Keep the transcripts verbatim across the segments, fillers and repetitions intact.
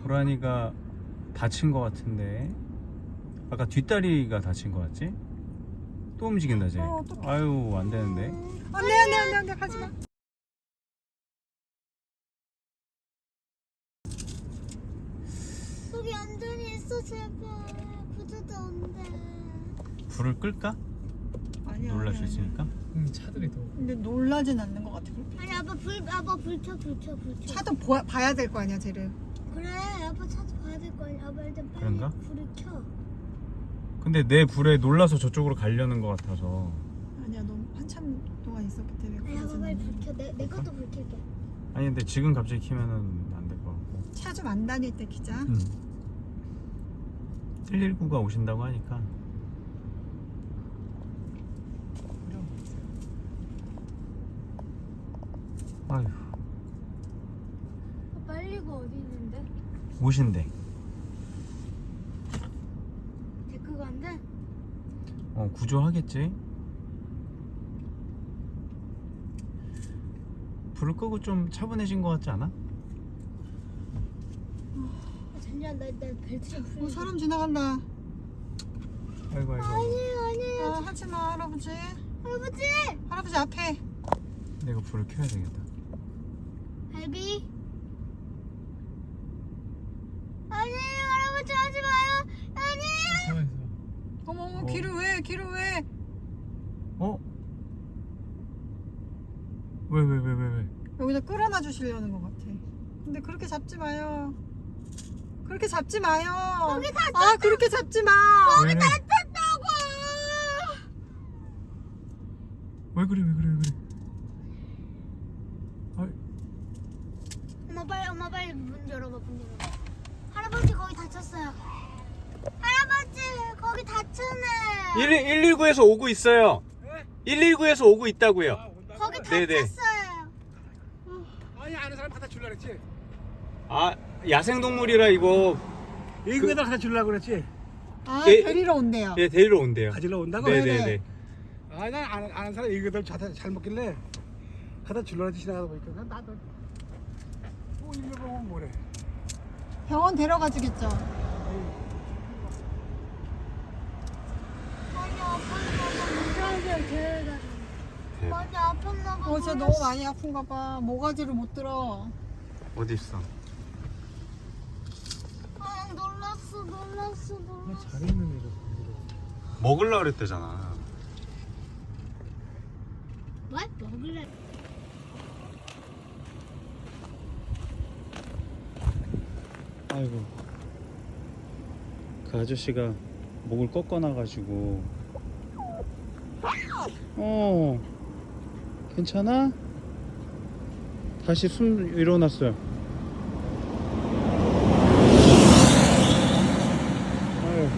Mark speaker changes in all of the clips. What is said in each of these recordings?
Speaker 1: 고라니가 다친 것 같은데. 아까 뒷다리가 다친 것 같지? 또 움직인다 쟤.
Speaker 2: 어, 어떡해.
Speaker 1: 아유 안 되는데.
Speaker 2: 안돼 안돼 안돼 안돼 가지마.
Speaker 3: 여기 안전히 있어 제발. 구조도 안 돼.
Speaker 1: 불을 끌까?
Speaker 2: 아니야.
Speaker 1: 놀랄 수
Speaker 2: 아니야,
Speaker 1: 있으니까.
Speaker 4: 응, 차들이 더.
Speaker 2: 근데 놀라진 않는 것 같아.
Speaker 3: 아니 아빠 불 아빠 불켜 불켜 불켜.
Speaker 2: 차도 보, 봐야 될 거 아니야 쟤를.
Speaker 3: 그래 아빠 차도 봐야 될 거 아니야. 아빠 일단 빨리
Speaker 1: 그런가?
Speaker 3: 불을 켜.
Speaker 1: 근데 내 불에 놀라서 저쪽으로 가려는 것 같아서.
Speaker 2: 아니야 너 한참 동안 있었기 때문에.
Speaker 3: 아니 아빠
Speaker 2: 그러진
Speaker 3: 빨리
Speaker 2: 않아.
Speaker 3: 불 켜. 내, 내 것도 불 켤게.
Speaker 1: 아니 근데 지금 갑자기 키면은 안 될 것 같고.
Speaker 2: 차 좀 안 다닐 때 키자.
Speaker 1: 음. 일일구가 오신다고 하니까. 아휴
Speaker 3: 아빠 일일구 어디 있는데?
Speaker 1: 오신대.
Speaker 3: 데크가 안 돼?
Speaker 1: 어 구조하겠지. 불을 끄고 좀 차분해진 것 같지 않아?
Speaker 3: 아, 잠시만 나나 벨트 좀 풀.
Speaker 2: 어, 사람 지나간다.
Speaker 1: 아이고 아이고.
Speaker 3: 아니 아니
Speaker 2: 아 하지마 할아버지.
Speaker 3: 할아버지.
Speaker 2: 할아버지 앞에.
Speaker 1: 내가 불을 켜야 되겠다.
Speaker 3: 할비. 아니 할아버지 하지 마요. 아니.
Speaker 4: 차에서.
Speaker 2: 어머 어머
Speaker 1: 어.
Speaker 2: 길을 왜 길을 왜?
Speaker 1: 어? 왜 왜 왜 왜 왜?
Speaker 2: 여기다 끌어놔 주시려는 것 같아. 근데 그렇게 잡지 마요. 그렇게 잡지 마요.
Speaker 3: 거기 다
Speaker 2: 아 그렇게 잡지 마.
Speaker 1: 왜, 왜?
Speaker 3: 탔다고.
Speaker 1: 왜 그래 왜 그래 왜 그래? 아이,
Speaker 3: 엄마 빨리 엄마 빨리 문 열어봐 문 열어봐. 할아버지 거기 다쳤어요. 할아버지 거기 다쳤네.
Speaker 1: 일일구에서 오고 있어요. 일일구에서 오고 있다고요.
Speaker 4: 아, 온다고?
Speaker 3: 거기
Speaker 1: 네네.
Speaker 3: 다쳤어요.
Speaker 4: 아니, 아는 사람 갖다 줄라 그랬지.
Speaker 1: 아 야생동물이라 이거
Speaker 4: 이거에다 갖다 줄라 그랬지.
Speaker 2: 아
Speaker 1: 예,
Speaker 2: 데리러 온대요.
Speaker 1: 예 데리러 온대요.
Speaker 4: 가지러 온다고?
Speaker 1: 네네네.
Speaker 4: 아니, 난 아는, 아는 사람 이거들 잘, 잘 먹길래 갖다 줄라 그랬지. 지나가다 보니까. 난 나도. 뭐, 이거 보면 뭐래.
Speaker 2: 병원 데려가 주겠죠.
Speaker 3: 많이 아팠나 봐. 무서워서 데려다. 많이 아팠나 봐.
Speaker 2: 어 진짜 너무 많이 아픈가 봐. 모가지를 못 들어.
Speaker 1: 어디 있어?
Speaker 3: 아 놀랐어 놀랐어 놀랐어.
Speaker 4: 잘했는 애가.
Speaker 1: 먹을라 그랬대잖아.
Speaker 3: 뭐? 먹을래?
Speaker 1: 아이고 그 아저씨가 목을 꺾어놔가지고. 어 괜찮아? 다시 숨 일어났어요. 아유.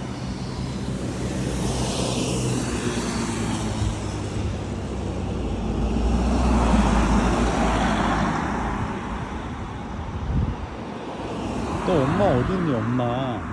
Speaker 1: 너 엄마 어딨니 엄마?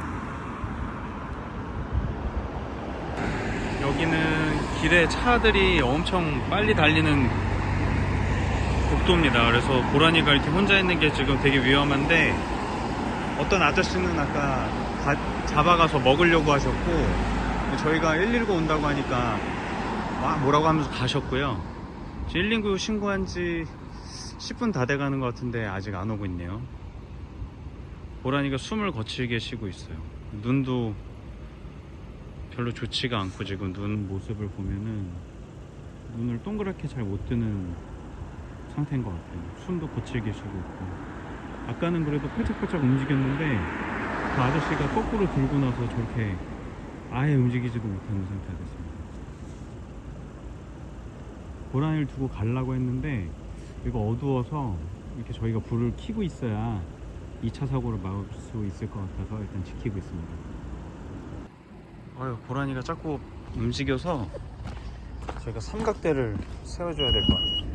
Speaker 1: 여기는 길에 차들이 엄청 빨리 달리는 국도입니다. 그래서 고라니가 이렇게 혼자 있는 게 지금 되게 위험한데, 어떤 아저씨는 아까 가, 잡아가서 먹으려고 하셨고, 저희가 일일구 온다고 하니까 막 뭐라고 하면서 가셨고요. 일일구 신고한 지 십 분 다 돼가는 것 같은데 아직 안 오고 있네요. 고라니가 숨을 거칠게 쉬고 있어요. 눈도 별로 좋지가 않고, 지금 눈 모습을 보면은 눈을 동그랗게 잘 못 뜨는 상태인 것 같아요. 숨도 거칠게 쉬고 있고. 아까는 그래도 팔짝팔짝 움직였는데 그 아저씨가 거꾸로 들고 나서 저렇게 아예 움직이지도 못하는 상태가 됐습니다. 고라니를 두고 가려고 했는데 이거 어두워서 이렇게 저희가 불을 켜고 있어야 이 차 사고를 막을 수 있을 것 같아서 일단 지키고 있습니다. 어휴, 고라니가 자꾸 움직여서 저희가 삼각대를 세워줘야 될 것 같아요.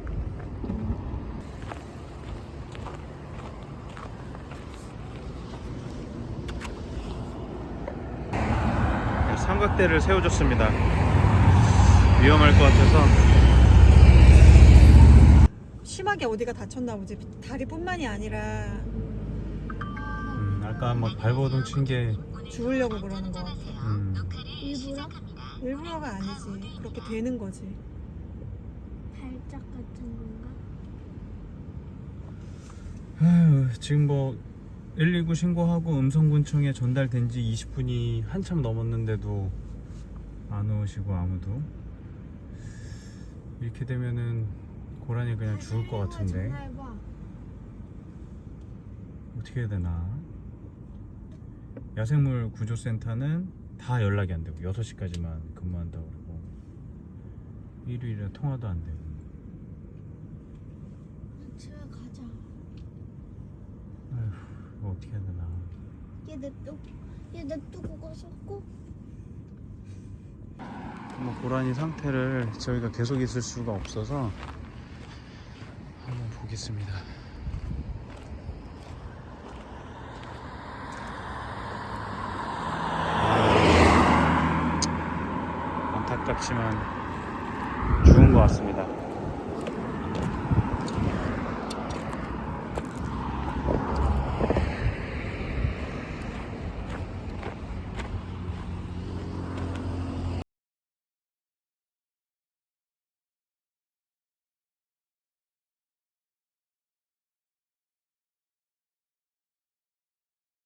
Speaker 1: 삼각대를 세워줬습니다. 위험할 것 같아서.
Speaker 2: 심하게 어디가 다쳤나 보지. 다리뿐만이 아니라
Speaker 1: 아까 막 발버둥 친 게
Speaker 2: 죽으려고 그러는 것 같아.
Speaker 1: 음,
Speaker 3: 일부러
Speaker 2: 일부러가 아니지. 그렇게 되는 거지.
Speaker 3: 발작 같은 건가?
Speaker 1: 아휴, 지금 뭐 일일구 신고하고 음성군청에 전달된 지 이십 분이 한참 넘었는데도 안 오시고 아무도. 이렇게 되면은 고라니 그냥 죽을 것 같은데
Speaker 3: 전화해봐.
Speaker 1: 어떻게 해야 되나. 야생물 구조센터는 다 연락이 안 되고 여섯 시까지만 근무한다고 그러고 일요일에 통화도 안 되고.
Speaker 3: 집에 가자.
Speaker 1: 아휴, 이거 어떻게 해야 되나.
Speaker 3: 얘 냅둬. 얘 냅두고 가서 꼭.
Speaker 1: 뭐 고라니 상태를 저희가 계속 있을 수가 없어서 한번 보겠습니다. 안타깝지만 죽은 것 같습니다.